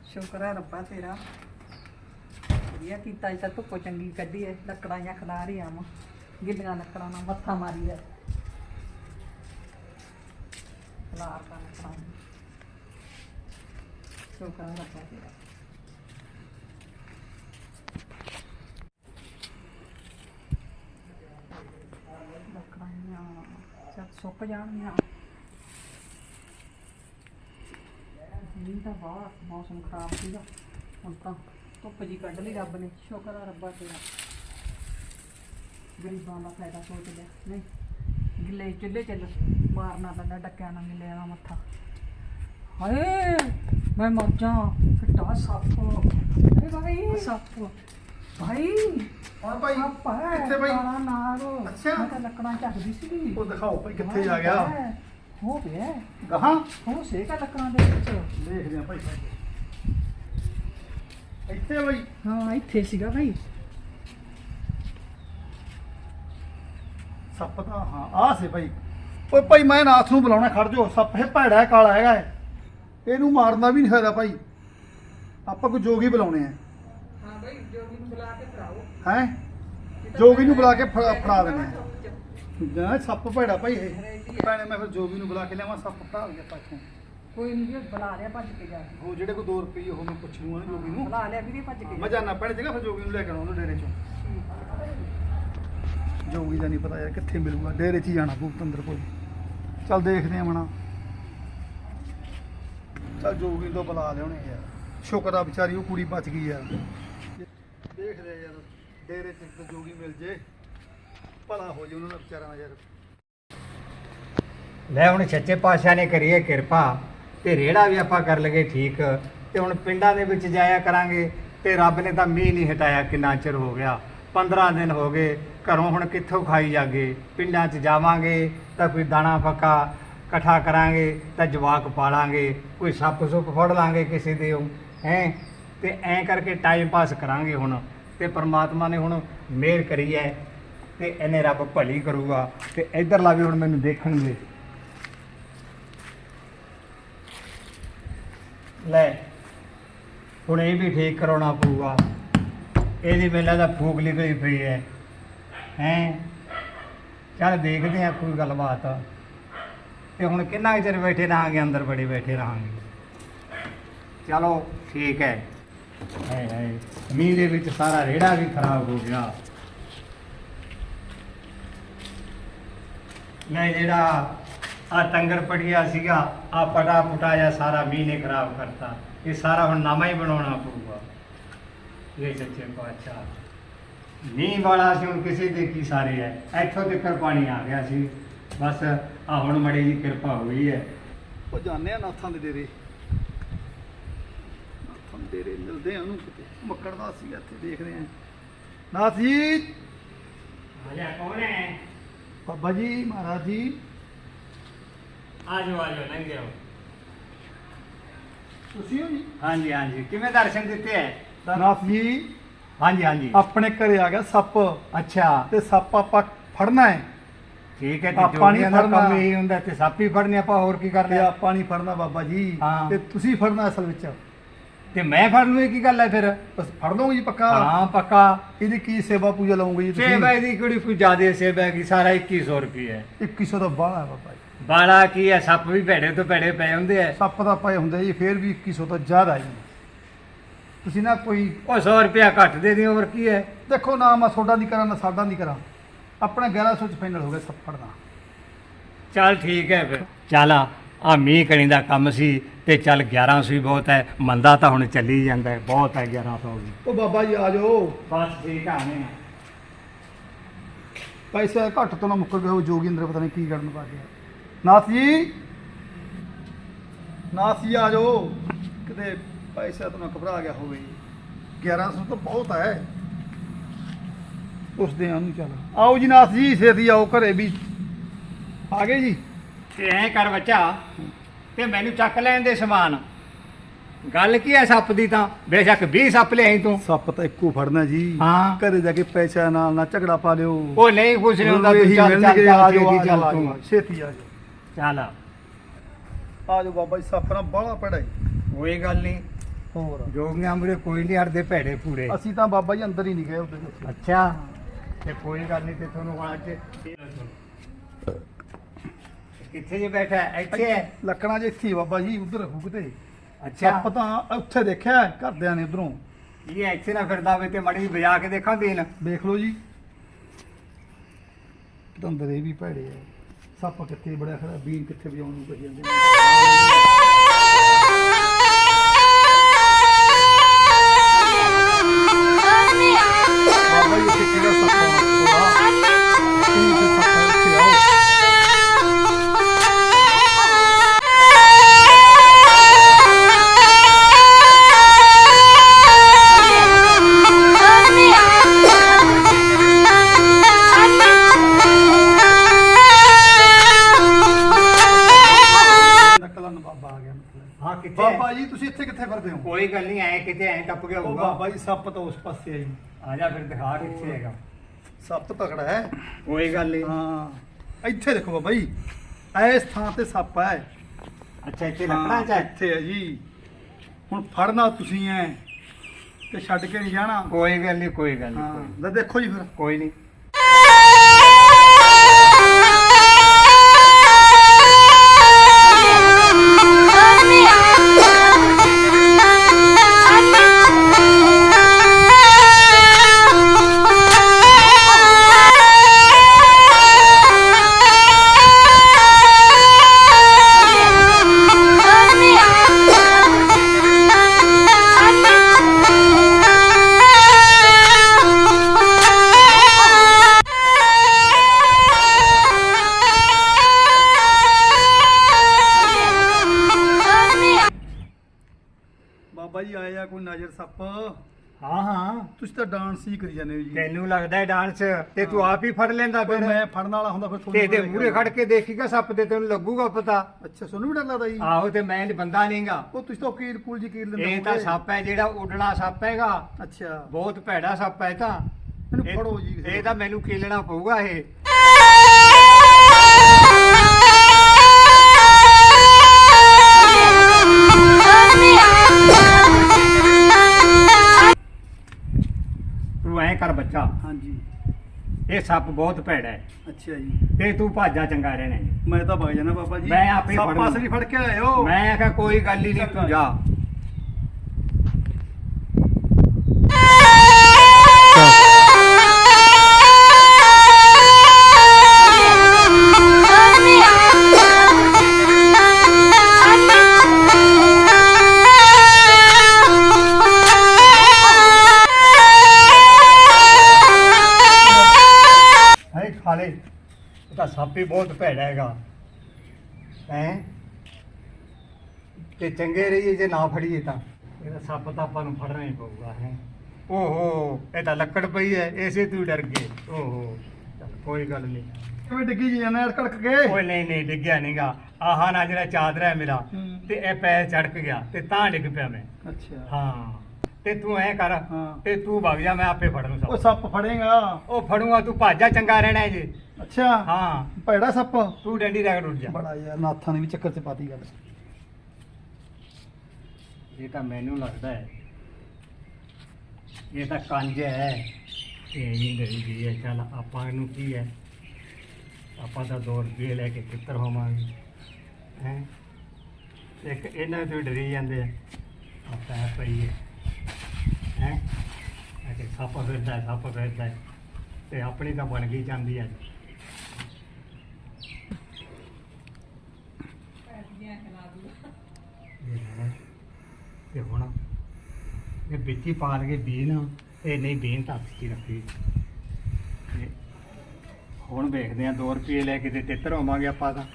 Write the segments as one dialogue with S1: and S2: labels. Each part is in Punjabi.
S1: ਸ਼ੁਕਰ ਹੈ ਰੱਬਾ ਤੇਰਾ ਵਧੀਆ ਕੀਤਾ ਅੱਜ ਤਾਂ ਧੁੱਪ ਚੰਗੀ ਕੱਢੀ ਐ ਲੱਕੜਾਂ ਜਾਂ ਖਲਾ ਰਹੀ ਆਵਾਂ ਗਿੱਲੀਆਂ ਲੱਕੜਾਂ ਨਾਲ ਮੱਥਾ ਮਾਰੀ ਐ ਖਲਾਰ ਦਾ ਲੱਕੜਾਂ ਸ਼ੁਕਰ ਹੈ ਰੱਬਾ ਤੇਰਾ ਲੱਕੜਾਂ ਚੱਲ ਸੁੱਕ ਜਾਣਗੀਆਂ ਨਹੀਂ ਤਾਂ ਬਾਹਰ ਮੌਸਮ ਖਰਾਬ ਸੀਗਾ ਹੁਣ ਤਾਂ ਧੁੱਪ ਜੀ ਕੱਢ ਲਈ ਰੱਬ ਨੇ ਸ਼ੁਕਰ ਆ ਰੱਬਾ ਤੇਰਾ ਗਰੀਬਾਂ ਦਾ ਫਾਇਦਾ ਸੋਚ ਲਿਆ ਨਹੀਂ ਗਿੱਲੇ ਚੁੱਲ੍ਹੇ ਚੱਲ ਮਾਰਨਾ ਪੈਂਦਾ ਡੱਕਿਆਂ ਨਾਲ ਗਿੱਲੇ ਦਾ ਮੱਥਾ ਹਾਏ ਮੈਂ ਮਰ ਜਾ ਫਿੱਟਾ ਸੱਪ ਅਰੇ ਭਾਈ ਸੱਪ ਭਾਈ
S2: ਹਾਂ ਭਾਈ
S1: ਸੱਪ ਹੈ
S2: ਕਿੱਥੇ ਭਾਈ
S1: ਕਾਲਾ ਨਾਗ
S2: ਅੱਛਾ।
S1: ਮੈਂ ਤਾਂ ਲੱਕੜਾਂ ਝੱਕਦੀ ਸੀਗੀ
S2: ਉਹ ਦਿਖਾਓ ਭਾਈ ਕਿੱਥੇ ਜਾ ਗਿਆ
S1: ਹੋ ਗਿਆ
S2: ਗਾਹਾਂ
S1: ਹੋ ਸੇਕਾ ਲੱਕੜਾਂ ਦੇ ਵਿੱਚ
S2: ਦੇਖਦੇ ਆ ਭਾਈ ਇੱਥੇ ਭਾਈ
S1: ਹਾਂ ਇੱਥੇ ਸੀਗਾ ਭਾਈ
S2: ਸੱਪ ਤਾਂ ਹਾਂ ਆ ਸੇ ਭਾਈ ਓਏ ਭਾਈ ਮੈਂ ਨਾਥ ਨੂੰ ਬੁਲਾਉਣਾ ਖੜ ਜਾਓ ਸੱਪ ਇਹ ਭੈੜਾ ਹੈ, ਕਾਲਾ ਹੈਗਾ ਹੈ। ਇਹਨੂੰ ਮਾਰਨਾ ਵੀ ਨਹੀਂ ਹੋਇਆ ਭਾਈ ਆਪਾਂ ਕੋਈ ਜੋਗੀ ਬੁਲਾਉਣੇ ਆ
S1: ਹਾਂ ਭਾਈ ਜੋਗੀ ਨੂੰ ਬੁਲਾ ਕੇ ਫੜਾਓ
S2: ਹੈ ਜੋਗੀ ਨੂੰ ਬੁਲਾ ਕੇ ਫੜਾ ਦਿੰਦੇ ਆ ਨਾ ਸੱਪ ਭੈੜਾ ਭਾਈ ਇਹ ਭੈਣੇ ਮੈਂ ਫਿਰ ਜੋਗੀ ਨੂੰ ਬੁਲਾ ਕੇ ਲਿਆਵਾਂ ਸੱਪ ਫੜਾ ਲਿਆ ਪਾਛੋਂ
S1: ਕੋਈ ਨਹੀਂ ਬੁਲਾ ਲਿਆ ਭੱਜ ਕੇ ਜਾ
S2: ਉਹ ਜਿਹੜੇ ਕੋ 2 ਰੁਪਏ ਉਹ ਮੈਂ ਪੁੱਛ ਲੂੰਗਾ ਨਾ ਜੋਗੀ ਨੂੰ
S1: ਬੁਲਾ ਲਿਆ ਵੀਰੇ ਭੱਜ ਕੇ
S2: ਮੈਂ ਜਾਣਾ ਪੈਣੇ ਜਗਾ ਫਿਰ ਜੋਗੀ ਨੂੰ ਲੈ ਕੇ ਆਉਣਾ ਉਹਨੂੰ ਡੇਰੇ ਚੋਂ ਜੋਗੀ ਦਾ ਨਹੀਂ ਪਤਾ ਯਾਰ ਕਿੱਥੇ ਮਿਲੂਗਾ ਡੇਰੇ 'ਚ ਹੀ ਜਾਣਾ ਭੂਪਤੰਦਰ ਕੋਲ ਚੱਲ ਦੇਖਦੇ ਆ ਮਣਾ ਚੱਲ ਜੋਗੀ ਤੋਂ ਬੁਲਾ ਲਿਆਉਣੇ ਯਾਰ ਸ਼ੁਕਰ ਆ ਵਿਚਾਰੀ ਉਹ ਕੁੜੀ ਬਚ ਗਈ ਯਾਰ ਦੇਖਦੇ ਆ ਯਾਰ ਡੇਰੇ 'ਚ ਇੱਕ ਜੋਗੀ ਮਿਲ ਜੇ ਭਲਾ ਹੋ ਜੇ ਉਹਨਾਂ ਦਾ ਵਿਚਾਰਾਂ ਦਾ ਯਾਰ
S3: ਲੈ ਹੁਣ ਸੱਚੇ ਪਾਤਸ਼ਾਹ ਨੇ ਕਰੀਏ ਕਿਰਪਾ ਤੇ ਰੇੜਾ ਵੀ ਆਪਾਂ ਕਰ ਲਗੇ ਠੀਕ ਤੇ ਹੁਣ ਪਿੰਡਾਂ ਦੇ ਵਿੱਚ ਜਾਇਆ ਕਰਾਂਗੇ ਤੇ ਰੱਬ ਨੇ ਤਾਂ ਮੀਂਹ ਨਹੀਂ ਹਟਾਇਆ ਕਿੰਨਾ ਚਿਰ ਹੋ ਗਿਆ 15 ਦਿਨ ਹੋ ਗਏ ਘਰੋਂ ਹੁਣ ਕਿੱਥੋਂ ਖਾਈ ਜਾਗੇ ਪਿੰਡਾਂ 'ਚ ਜਾਵਾਂਗੇ ਤਾਂ ਕੋਈ ਦਾਣਾ ਫੱਕਾ ਇਕੱਠਾ ਕਰਾਂਗੇ ਤਾਂ ਜਵਾਕ ਪਾਲਾਂਗੇ ਕੋਈ ਸੱਪ ਸੁੱਪ ਫੜ ਲਾਂਗੇ ਕਿਸੇ ਦੇ ਹੈ ਤੇ ਐਂ ਕਰਕੇ ਟਾਈਮ ਪਾਸ ਕਰਾਂਗੇ ਹੁਣ ਤੇ ਪ੍ਰਮਾਤਮਾ ਨੇ ਹੁਣ ਮਿਹਰ ਕਰੀ ਹੈ ਤੇ ਇਹਨੇ ਰੱਬ ਭਲੀ ਕਰੂਗਾ ਤੇ ਇੱਧਰਲਾ ਵੀ ਹੁਣ ਮੈਨੂੰ ਦੇਖਣਗੇ ਲੈ ਹੁਣ ਇਹ ਵੀ ਠੀਕ ਕਰਾਉਣਾ ਪਊਗਾ ਇਹਦੀ ਮੇਲਾ ਦਾ ਫੂਕ ਨਿਕਲੀ ਪਈ ਹੈ ਚੱਲ ਦੇਖਦੇ ਆ ਕੋਈ ਗੱਲਬਾਤ ਤੇ ਹੁਣ ਕਿੰਨਾ ਕੁ ਚਿਰ ਬੈਠੇ ਰਹਾਂਗੇ ਅੰਦਰ ਬੜੇ ਬੈਠੇ ਰਹਾਂਗੇ ਚਲੋ ਠੀਕ ਹੈ ਹਾਏ ਮੀਂਹ ਦੇ ਵਿੱਚ ਸਾਰਾ ਰੇੜਾ ਵੀ ਖਰਾਬ ਹੋ ਗਿਆ ਮੈਂ ਜਿਹੜਾ ਆ ਟੰਗਰ ਪੜਿਆ ਸੀਗਾ ਆ ਪਟਾ ਪੁਟਾ ਜਾਂ ਸਾਰਾ ਮੀਂਹ ਨੇ ਖਰਾਬ ਕਰਤਾ ਇਹ ਸਾਰਾ ਹੁਣ ਨਵਾਂ ਹੀ ਬਣਾਉਣਾ ਪਊਗਾ ਇਹ ਸੱਚੇ ਪਾਤਸ਼ਾਹ ਮੀਂਹ ਵਾਲਾ ਸੀ ਹੁਣ ਕਿਸੇ ਦੇ ਕੀ ਸਾਰੇ ਹੈ ਇੱਥੋਂ ਤੱਕ ਪਾਣੀ ਆ ਗਿਆ ਸੀ ਬਸ ਆ ਹੁਣ ਮੜੀ ਦੀ ਕਿਰਪਾ ਹੋਈ ਹੈ
S2: ਉਹ ਜਾਂਦੇ ਆ ਨਾਥਾਂ ਦੇ ਡੇਰੇ ਨਾਥਾਂ ਦੇ ਡੇਰੇ ਮਿਲਦੇ ਆ ਉਹਨੂੰ ਕਿਤੇ ਮੱਕੜਦਾ ਸੀ ਇੱਥੇ ਦੇਖਦੇ ਆ ਨਾਥ ਜੀ
S3: ਆਜਾ ਕੌਣ ਹੈ
S2: ਬਾਬਾ ਜੀ ਮਹਾਰਾਜ ਜੀ
S3: ਆਜੋ ਲੰਘ ਜਾਓ
S2: ਤੁਸੀਂ ਹੋ ਜੀ
S3: ਹਾਂਜੀ ਹਾਂਜੀ ਕਿਵੇਂ ਦਰਸ਼ਨ ਦਿੱਤੇ ਹੈ
S2: ਨਾਥ ਜੀ
S3: ਹਾਂਜੀ ਹਾਂਜੀ
S2: ਆਪਣੇ ਘਰੇ ਆ ਗਿਆ ਸੱਪ
S3: ਅੱਛਾ
S2: ਤੇ ਸੱਪ ਆਪਾਂ ਫੜਨਾ ਹੈ
S3: ਠੀਕ ਹੈ
S2: ਆਪਾਂ
S3: ਤੇ
S2: ਨਹੀਂ
S3: ਜੋਗੀਆਂ ਦਾ ਕੰਮ
S2: ਫੜਨਾ।
S3: ਇਹੀ ਹੁੰਦਾ ਤੇ ਸਾਪੀ ਫੜਨੇ ਆਪਾਂ ਹੋਰ ਕੀ
S2: ਤੇ
S3: ਕਰਨਾ
S2: ਆਪਾਂ ਨਹੀਂ ਫੜਨਾ ਬਾਬਾ ਜੀ
S3: ਹਾਂ।
S2: ਤੇ ਤੁਸੀਂ ਫੜਨਾ ਅਸਲ ਵਿੱਚ
S3: ਤੇ ਮੈਂ ਫੜ ਲੂ ਇਹ ਕੀ ਗੱਲ ਹੈ ਫਿਰ
S2: ਬਸ ਫੜ ਲਓਗੇ ਜੀ ਪੱਕਾ
S3: ਹਾਂ ਪੱਕਾ
S2: ਇਹਦੀ ਕੀ ਸੇਵਾ ਪੂਜਾ ਲਾਉਂਗੇ ਜੀ ਤੁਸੀਂ
S3: ਸੇਵਾ ਦੀ ਕਿਹੜੀ ਕੋਈ ਜ਼ਿਆਦਾ ਸੇਵਾ ਹੈਗੀ ਸਾਰਾ 2100 ਰੁਪਏ ਹੈ
S2: 2100 ਦਾ ਬਾਹਲਾ ਹੈ ਬਾਬਾ ਜੀ
S3: ਬਾਲਾ ਕੀ ਹੈ ਸੱਪ ਵੀ ਭੇੜੇ ਤੋਂ ਭੇੜੇ ਪਏ ਹੁੰਦੇ ਆ
S2: ਸੱਪ ਦਾ ਪਏ ਹੁੰਦੇ ਜੀ ਫੇਰ ਵੀ 2100 ਤੋਂ ਜ਼ਿਆਦਾ ਜੀ ਤੁਸੀਂ ਨਾ ਕੋਈ
S3: ਉਹ 100 ਰੁਪਇਆ ਘੱਟ ਦੇ ਦਿਓ ਹੋਰ ਕੀ ਹੈ
S2: ਦੇਖੋ ਨਾ ਮੈਂ ਤੁਹਾਡਾ ਨਹੀਂ ਕਰਾਂ ਨਾ ਸਾਡਾ ਨਹੀਂ ਕਰਾਂ ਆਪਣਾ 1100 ਚ ਫਾਈਨਲ ਹੋ ਗਿਆ ਸੱਪ ਫੜਨਾ
S3: ਚੱਲ ਠੀਕ ਹੈ ਫਿਰ ਚੱਲ ਆ ਮੀਂਹ ਕਣੀ ਦਾ ਕੰਮ ਸੀ ਤੇ ਚੱਲ 1100 ਹੀ ਬਹੁਤ ਹੈ ਮੰਦਾ ਤਾਂ ਹੁਣ ਚੱਲੀ ਜਾਂਦਾ ਹੈ ਬਹੁਤ ਹੈ 1100 ਵੀ
S2: ਉਹ ਬਾਬਾ ਜੀ ਆ ਜਾਓ
S3: ਬਸ ਠੀਕ ਆ ਨੇ
S2: ਪੈਸੇ ਘੱਟ ਤੋਂ ਨਾ ਮੁੱਕਰ ਗਏ ਉਹ ਜੋਗੀ ਅੰਦਰ ਪਤਾ ਨਹੀਂ ਕੀ ਕਰਨ ਪਾ ਗਿਆ ਨਾਥ ਜੀ ਆ ਜਾਓ ਕਿਤੇ ਪੈਸੇ ਤੋਂ ਨਾ ਘਬਰਾ ਗਿਆ ਹੋਵੇ 1100 ਤਾਂ ਬਹੁਤ ਹੈ ਉਸ ਦੇ ਆਨੂੰ ਚੱਲ ਆਓ ਜੀ ਨਾਥ ਜੀ ਛੇਤੀ ਆਓ ਘਰੇ ਵੀ ਆ ਗਏ ਜੀ
S3: ਤੇ ਐਂ ਕਰ ਬੱਚਾ ਤੇ ਮੈਨੂੰ ਚੱਕ ਲੈਣ ਦੇ ਸਮਾਨ ਗੱਲ ਕੀ ਹੈ ਸੱਪ ਦੀ ਤਾਂ ਬੇਸ਼ੱਕ 20 ਸੱਪ ਲਿਆਈ ਤੂੰ
S2: ਸੱਪ ਤਾਂ ਇੱਕੋ ਫੜਨਾ ਜੀ
S3: ਹਾਂ।
S2: ਘਰੇ ਜਾ ਕੇ ਪੈਸਾ ਨਾਲ ਨਾ ਝਗੜਾ ਪਾ ਲਿਓ
S3: ਉਹ ਨਹੀਂ ਕੁਛ ਨਹੀਂ ਹੁੰਦਾ ਤੂੰ
S2: ਇਹੀ
S3: ਚੱਲ
S2: ਮਿਲਣਗੇ,
S3: ਚੱਲ
S2: ਆ
S3: ਚੱਲ
S2: ਜਾਓ,
S3: ਛੇਤੀ ਚੱਲ
S2: ਆ
S3: ਤੂੰ
S2: ਜਾਓ, ਛੇਤੀ ਆ ਜਾਓ
S3: ਚੱਲ
S2: ਆ ਜਾਓ ਬਾਬਾ ਜੀ ਸੱਪ ਨਾਲ ਬਾਹਲਾ ਪੜਾ
S3: ਕੋਈ ਗੱਲ ਨਹੀਂ
S2: ਹੋਰ
S3: ਜੋਗੀਆਂ ਮੂਰੇ ਕੋਈ ਨਹੀਂ ਹਟਦੇ ਭੈੜੇ ਪੂਰੇ।
S2: ਅਸੀਂ ਤਾਂ ਬਾਬਾ ਜੀ ਅੰਦਰ ਹੀ ਨਹੀਂ ਗਏ ਉਹਦੇ ਵਿੱਚ।
S3: ਅੱਛਾ ਤੇ ਕੋਈ ਗੱਲ ਨਹੀਂ, ਤੇ ਤੁਹਾਨੂੰ ਅੱਜ ਕਿੱਥੇ ਜੇ ਬੈਠਾ ਹੈ? ਇੱਥੇ ਹੈ?
S2: ਲੱਕੜਾਂ 'ਚ ਇੱਥੇ ਹੀ ਬਾਬਾ ਜੀ ਉਧਰ ਰੱਖੂ ਕਿਤੇ।
S3: ਅੱਛਾ
S2: ਸੱਪ ਤਾਂ ਉੱਥੇ ਦੇਖਿਆ ਘਰਦਿਆਂ ਨੇ ਉਧਰੋਂ।
S3: ਇਹ ਇੱਥੇ ਨਾ ਫਿਰਦਾ ਹੋਵੇ ਤੇ ਮੜੀ ਵਜਾ ਕੇ ਦੇਖਾਂ ਬੀਨ।
S2: ਦੇਖ ਲਓ ਜੀ ਦੰਦਰ ਇਹ ਵੀ ਭੈੜੇ ਆ। ਸੱਪ ਕਿੱਥੇ ਬੜਿਆ ਖੜਾ, ਬੀਨ ਕਿੱਥੇ ਵਜਾਉਣ ਨੂੰ ਕਹੀ ਜਾਂਦੇ ਨੇ। ਬਾਬਾ ਜੀ ਇੱਥੇ ਕਿਹੜਾ ਸੱਪ ਆਉਣਾ ਥੋੜਾ ਕਿੰਨੇ ਸੱਪ ਆ, ਇੱਥੇ ਆਓ। ਨਕਲਨ ਬਾਬਾ ਆ ਗਿਆ ਮਤਲਬ।
S3: ਹਾਂ ਕਿੱਥੇ
S2: ਬਾਬਾ
S3: ਹੈ?
S2: ਜੀ ਤੁਸੀਂ ਇੱਥੇ ਕਿੱਥੇ ਫਿਰਦੇ ਹੋ?
S3: ਕੋਈ ਗੱਲ ਨਹੀਂ, ਐ ਕਿਤੇ ਐ ਟੱਪ ਗਿਆ
S2: ਉਹ
S3: ਹੋਊਗਾ।
S2: ਬਾਬਾ ਜੀ ਸੱਪ ਤਾਂ ਉਸ ਪਾਸੇ ਆ ਜੀ।
S3: ਆ ਜਾ ਫਿਰ ਦਿਖਾ ਕਿੱਥੇ ਹੈਗਾ।
S2: ਸੱਪ ਤਕੜਾ ਹੈ।
S3: ਕੋਈ ਗੱਲ ਨਹੀਂ।
S2: ਹਾਂ ਇੱਥੇ ਦੇਖੋ ਬਾਬਾ ਜੀ, ਇਸ ਥਾਂ ਤੇ ਸੱਪ ਹੈ।
S3: ਅੱਛਾ ਇੱਥੇ ਲੱਕੜਾਂ ਚ ਹੈ?
S2: ਇੱਥੇ ਹੈ ਜੀ। ਹੁਣ ਫੜਨਾ ਤੁਸੀਂ ਐ ਤੇ ਛੱਡ ਕੇ ਨਹੀਂ ਜਾਣਾ।
S3: ਕੋਈ ਗੱਲ ਨਹੀਂ, ਕੋਈ ਗੱਲ
S2: ਹਾਂ
S3: ਨਹੀਂ,
S2: ਲੈ ਦੇਖੋ ਜੀ ਫਿਰ।
S3: ਕੋਈ ਨਹੀਂ।
S2: ਬਾਬਾ ਜੀ ਆਏ ਆ ਕੋਈ ਨਜ਼ਰ ਸੱਪ।
S3: ਹਾਂ ਹਾਂ
S2: ਤੁਸੀਂ ਤਾਂ ਡਾਂਸ ਹੀ ਕਰੀ ਜਾਂਦੇ ਹੋ ਜੀ।
S3: ਤੈਨੂੰ ਲੱਗਦਾ ਹੈ ਡਾਂਸ ਤੇ ਤੂੰ ਆਪ ਹੀ ਫੜ ਲੈਂਦਾ
S2: ਪਰ
S3: ਫਿਰ।
S2: ਮੈਂ ਫੜਨ ਵਾਲਾ ਹੁੰਦਾ ਫਿਰ
S3: ਤੇ ਇਹਦੇ ਮੂਹਰੇ ਖੜ ਕੇ ਦੇਖੀਗਾ ਸੱਪ ਤੇ ਤੈਨੂੰ ਲੱਗੂਗਾ ਪਤਾ।
S2: ਅੱਛਾ ਤੁਹਾਨੂੰ ਵੀ ਡਰ ਲੱਗਦਾ ਜੀ?
S3: ਆਹੋ ਤੇ ਮੈਂ ਬੰਦਾ ਨਹੀਂਗਾ।
S2: ਉਹ ਤੁਸੀਂ ਤਾਂ ਕੀਲ ਕੂਲ ਜੀ ਕੀਲ ਲੈਂਦੇ
S3: ਇਹ ਤਾਂ
S2: ਹੋਵੋਗੇ।
S3: ਸੱਪ ਹੈ ਜਿਹੜਾ ਉੱਡਣਾ ਸੱਪ ਹੈਗਾ।
S2: ਅੱਛਾ
S3: ਬਹੁਤ ਭੈੜਾ ਸੱਪ ਹੈ ਤਾਂ।
S2: ਇਹਨੂੰ
S3: ਇਹ-
S2: ਫੜੋ ਜੀ ਕਿਸੇ
S3: ਇਹ ਤਾਂ ਮੈਨੂੰ ਕੀਲਣਾ ਪਊਗਾ ਇਹ। ਤੂੰ ਐ ਕਰ ਬੱਚਾ,
S2: ਹਾਂਜੀ
S3: ਇਹ ਸੱਪ ਬਹੁਤ ਭੈੜਾ ਹੈ
S2: ਅੱਛਾ ਜੀ।
S3: ਤੇ ਤੂੰ ਭਾਜਾ ਚੰਗਾ ਰਹਿਣਾ ਹੈ।
S2: ਮੈਂ ਤਾਂ ਵਗ ਜਾਣਾ ਬਾਬਾ ਜੀ।
S3: ਮੈਂ ਆਪੇ
S2: ਸੱਪ
S3: ਫੜਨਾ।
S2: ਅਸਲੀ ਫੜ ਕੇ ਆਇਓ।
S3: ਮੈਂ ਆਖਿਆ ਕੋਈ ਗੱਲ ਹੀ ਨਹੀਂ, ਤੂੰ ਜਾ। ਹੈ ਖਾਲੇ, ਇਹ ਤਾਂ ਸੱਪ ਹੀ ਬਹੁਤ ਭੈੜਾ ਹੈਗਾ ਹੈ। ਤੇ ਚੰਗੇ ਰਹੀਏ ਜੇ ਨਾ ਫੜੀਏ ਤਾਂ। ਇਹਦਾ ਸੱਪ ਤਾਂ ਆਪਾਂ ਨੂੰ ਫੜਨਾ ਹੀ ਪਊਗਾ ਹੈ। ਓਹੋ ਇਹ ਤਾਂ ਲੱਕੜ ਪਈ ਹੈ, ਇਸੇ ਤੂੰ ਡਰ ਗਏ। ਓਹੋ ਚੱਲ ਕੋਈ ਗੱਲ ਨਹੀਂ।
S2: ਕਿਵੇਂ ਡਿੱਗੀ ਜੀ ਜਾਣਾ ਕੜਕ ਕੇ?
S3: ਓਏ ਨਹੀਂ ਨਹੀਂ ਡਿੱਗਿਆ ਨਹੀਂਗਾ। ਆਹ ਨਾ ਜਿਹੜਾ ਚਾਦਰਾ ਹੈ ਮੇਰਾ
S2: ਹੂੰ।
S3: ਤੇ ਇਹ ਪੈਰ ਚੜਕ ਗਿਆ ਤੇ ਤਾਂ ਡਿੱਗ ਪਿਆ ਮੈਂ।
S2: ਅੱਛਾ
S3: ਹਾਂ ਤੇ ਤੂੰ ਐ ਕਰ
S2: ਹਾਂ।
S3: ਤੇ ਤੂੰ ਵਗ ਜਾ, ਮੈਂ ਆਪੇ ਫੜ ਲੂੰ
S2: ਉਹ
S3: ਸੱਪ।
S2: ਸੱਪ ਫੜੇਗਾ?
S3: ਉਹ ਫੜੂਗਾ, ਤੂੰ ਭਾਜਾ ਚੰਗਾ ਰਹਿਣਾ ਹੈ ਜੀ।
S2: ਅੱਛਾ
S3: ਹਾਂ
S2: ਭੈੜਾ ਸੱਪ।
S3: ਤੂੰ ਡੰਡੀ ਰਗੜ ਉੱਡ ਜਾ।
S2: ਬੜਾ ਯਾਰ ਨਾਥਾਂ ਨੇ ਵੀ ਚੱਕਰ ਚ ਪਾਤੀ ਗੱਲ।
S3: ਇਹ ਤਾਂ ਮੈਨੂੰ ਲੱਗਦਾ ਹੈ ਇਹ ਤਾਂ ਕੰਜ ਹੈ। ਇਹ ਨਹੀਂ ਡਰੀ ਗਈ ਹੈ। ਚੱਲ ਆਪਾਂ ਨੂੰ ਕੀ ਹੈ, ਆਪਾਂ ਤਾਂ 2 ਰੁਪਏ ਲੈ ਕੇ ਕਿੱਤਰ ਹੋਵਾਂਗੇ ਹੈ। ਇੱਕ ਇਹਨਾਂ ਤੋਂ ਡਰੀ ਜਾਂਦੇ ਆ। ਆਪਾਂ ਹੈ ਪਈ ਹੈ ਅਜੇ ਸੱਪ ਫਿਰਦਾ ਹੈ, ਸੱਪ ਫਿਰਦਾ ਹੈ ਤੇ ਆਪਣੀ ਤਾਂ ਬਣ ਗਈ ਜਾਂਦੀ ਹੈ। ਤੇ ਹੁਣ ਇਹ ਵਿੱਚ ਹੀ ਪਾ ਲਗੇ ਬੀਨ। ਇਹ ਨਹੀਂ ਬੀਨ ਤਾਂ ਹੱਥ 'ਚ ਹੀ ਰੱਖੀ। ਤੇ ਹੁਣ ਵੇਖਦੇ ਆ 2 ਰੁਪਏ ਲੈ ਕੇ ਤੇ ਤਿੱਤਰ ਹੋਵਾਂਗੇ ਆਪਾਂ ਤਾਂ।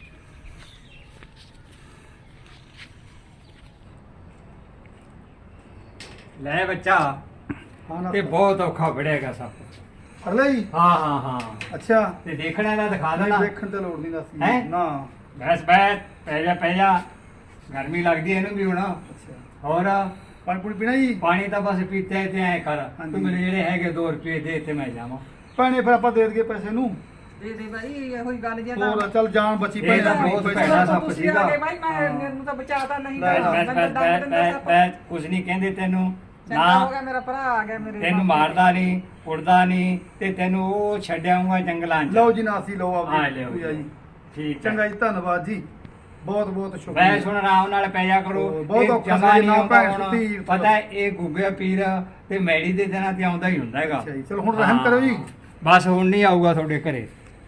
S3: ਲੈ ਬੱਚਾ,
S2: ਹਾਂ ਨਾ
S3: ਤੇ ਬਹੁਤ ਔਖਾ ਫੜਿਆਗਾ ਸੱਪ।
S2: ਫੜ ਲਿਆ ਜੀ?
S3: ਹਾਂ ਹਾਂ ਹਾਂ
S2: ਅੱਛਾ
S3: ਤੇ ਦੇਖਣਾ ਇਹਦਾ ਦਿਖਾ
S2: ਨਹੀਂ
S3: ਦੇਣਾ।
S2: ਵੇਖਣ ਤੇ ਲੋੜ ਨਹੀਂ ਦੱਸੀ
S3: ਹੈਂ?
S2: ਨਾ।
S3: ਬੈਸ ਬੈਸ ਪੈ ਜਾ ਗਰਮੀ ਲੱਗਦੀ ਹੈ ਇਹਨੂੰ ਵੀ ਹੁਣ।
S2: ਅੱਛਾ
S3: ਹੋਰ
S2: ਪਾਣੀ ਪੂਣੀ ਪੀਣਾ ਜੀ?
S3: ਪਾਣੀ ਤਾਂ ਬਸ ਪੀਤੇ ਤੇ ਐ ਕਰ
S2: ਹਾਂਜੀ।
S3: ਤੂੰ ਮੈਨੂੰ ਜਿਹੜੇ ਹੈਗੇ 2 ਰੁਪਏ ਦੇ ਤੇ ਮੈਂ ਜਾਵਾਂ।
S2: ਪਾਣੀ ਫਿਰ ਆਪਾਂ ਦੇ ਦਈਏ ਪੈਸੇ ਨੂੰ।
S1: ਦੇ ਦੇ ਬਾਈ ਇਹੋ ਹੀ ਗੱਲ ਜੇ
S2: ਹੋਰ ਚੱਲ ਜਾਨ ਬਚੀ
S3: ਇਹ ਤਾਂ ਬਹੁਤ ਭੈੜਾ ਸੱਪ
S1: ਤੁਸੀਂ
S3: ਸੀਗਾ।
S1: ਆ ਗਏ ਬਾਈ ਮੈਨੂੰ ਤਾਂ ਬਚਾਤਾ ਨਹੀਂ
S2: ਲੈ, ਲੈ,
S3: ਮੈਂ ਕੁਝ ਨਹੀਂ ਕਹਿੰਦੇ ਤੈਨੂੰ
S1: ਚੰਗਾ ਹੋ
S3: ਨਾ,
S1: ਗਿਆ ਮੇਰਾ ਭਰਾ ਆ ਗਿਆ ਮੇਰੇ
S3: ਤੈਨੂੰ ਮਾਰਦਾ ਨਹੀਂ ਉੜਦਾ ਨਹੀਂ ਤੇ ਤੈਨੂੰ ਉਹ ਛੱਡਿਆਉਂਗਾ ਜੰਗਲਾਂ 'ਚ।
S2: ਲਓ ਜੀ ਨਾਸੀ ਲਓ
S3: ਹਾਂ
S2: ਆਪਦੀ
S3: ਲਿਓ
S2: ਪੂਜਾ ਜੀ
S3: ਠੀਕ ਹੈ।
S2: ਚੰਗਾ ਜੀ ਧੰਨਵਾਦ ਜੀ ਬਹੁਤ ਬਹੁਤ
S3: ਮੈਂ
S2: ਸ਼ੁਕਰੀਆ
S3: ਸੁਣ ਆਰਾਮ ਨਾਲ ਪੈ ਜਾ ਕਰੋ।
S2: ਬਹੁਤ
S3: ਇਹ
S2: ਔਖਾ
S3: ਜਮਾਂ
S2: ਸੀ,
S3: ਨਹੀਂ
S2: ਨਾ
S3: ਆਉਂਦਾ
S2: ਭੈਣ
S3: ਹੁਣ।
S2: ਸੁੱਤੀ।
S3: ਪਤਾ ਹੈ, ਇਹ ਗੁੱਗੇ ਪੀਰ ਤੇ ਮੈੜੀ ਦੇ ਦਿਨਾਂ ਤੇ ਆਉਂਦਾ ਹੀ ਹੁੰਦਾ ਹੈਗਾ।
S2: ਅੱਛਾ ਜੀ, ਚਲੋ ਹੁਣ ਰਹਿਮ ਕਰੋ ਜੀ।
S3: ਬਸ ਹੁਣ ਨਹੀਂ ਆਊਗਾ ਤੁਹਾਡੇ ਘਰੇ।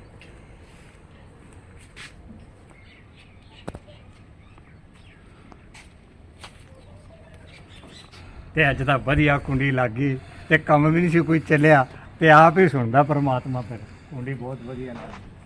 S3: ਤੇ ਅੱਜ ਤਾਂ ਵਧੀਆ ਕੁੰਡੀ ਲੱਗ ਗਈ ਤੇ ਕੰਮ ਵੀ ਨਹੀਂ ਸੀ ਕੋਈ ਚੱਲਿਆ ਤੇ ਆਪ ਹੀ ਸੁਣਦਾ ਪਰਮਾਤਮਾ। ਫਿਰ ਕੁੰਡੀ ਬਹੁਤ ਵਧੀਆ ਲੱਗ ਗਈ।